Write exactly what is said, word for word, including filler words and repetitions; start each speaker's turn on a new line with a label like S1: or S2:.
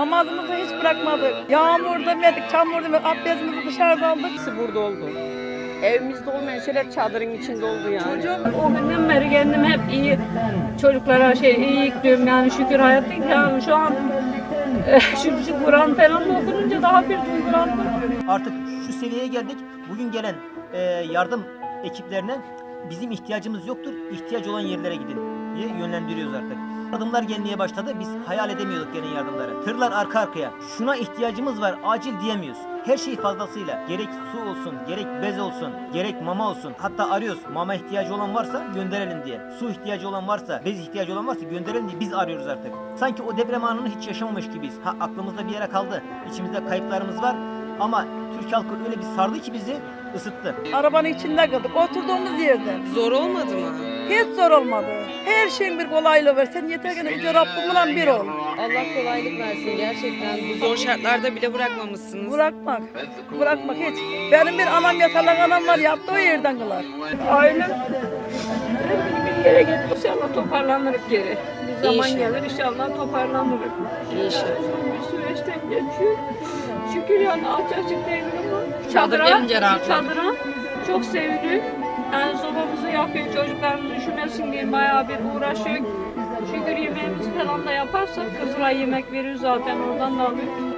S1: Namazımızı hiç bırakmadık. Yağmur demedik, çamur demedik, abdestimizi dışarıda aldık.
S2: Hepsi burada oldu. Evimizde olmayan şeyler çadırın içinde oldu yani.
S1: Çocuğum
S3: O günden beri kendim hep iyi çocuklara şey iyi diyorum yani şükür hayattayım. Yani şu an e, şu, şu Kur'an falan okununca daha bir duygulandım.
S4: Artık şu seviyeye geldik. Bugün gelen e, yardım ekiplerine bizim ihtiyacımız yoktur, ihtiyaç olan yerlere gidin diye yönlendiriyoruz artık. Yardımlar gelmeye başladı. Biz hayal edemiyorduk gelen yardımları. Tırlar arka arkaya. Şuna ihtiyacımız var, acil diyemiyoruz. Her şey fazlasıyla. Gerek su olsun, gerek bez olsun, gerek mama olsun. Hatta arıyoruz. Mama ihtiyacı olan varsa gönderelim diye. Su ihtiyacı olan varsa, bez ihtiyacı olan varsa gönderelim diye biz arıyoruz artık. Sanki o deprem anını hiç yaşamamış gibiyiz. Ha, aklımızda bir yere kaldı. İçimizde kayıplarımız var. Ama Türk halkı öyle bir sardı ki bizi, ısıttı.
S1: arabanın içinde kaldık, oturduğumuz yerde.
S2: Zor olmadı mı?
S1: Hiç zor olmadı. Her şeyin bir kolaylığı var. Sen yeter ki Yüce Rabbimle bir ol.
S2: Allah kolaylık versin gerçekten. Bu zor şartlarda bile bırakmamışsınız.
S1: Bırakmak, bırakmak hiç. Benim bir anam yatalak anam var, yattı o yerden kılar.
S3: Ailem hep bir yere gidip inşallah toparlanırız geri. Bir zaman
S2: İnşallah.
S3: gelir inşallah toparlanırız.
S2: İnşallah.
S3: Bir süreçten geçiyor. Şükür yani aç açık değil ama
S2: Çadır
S3: çadıra,
S2: gelince rahatladık.
S3: çadıra çok seviniyor. Yani sobamızı yakıyor, çocuklarımız üşümesin diye bayağı bir uğraşıyor. Şükür yemeğimizi falan da yaparsak Kızılay yemek veriyor zaten oradan da alıyor.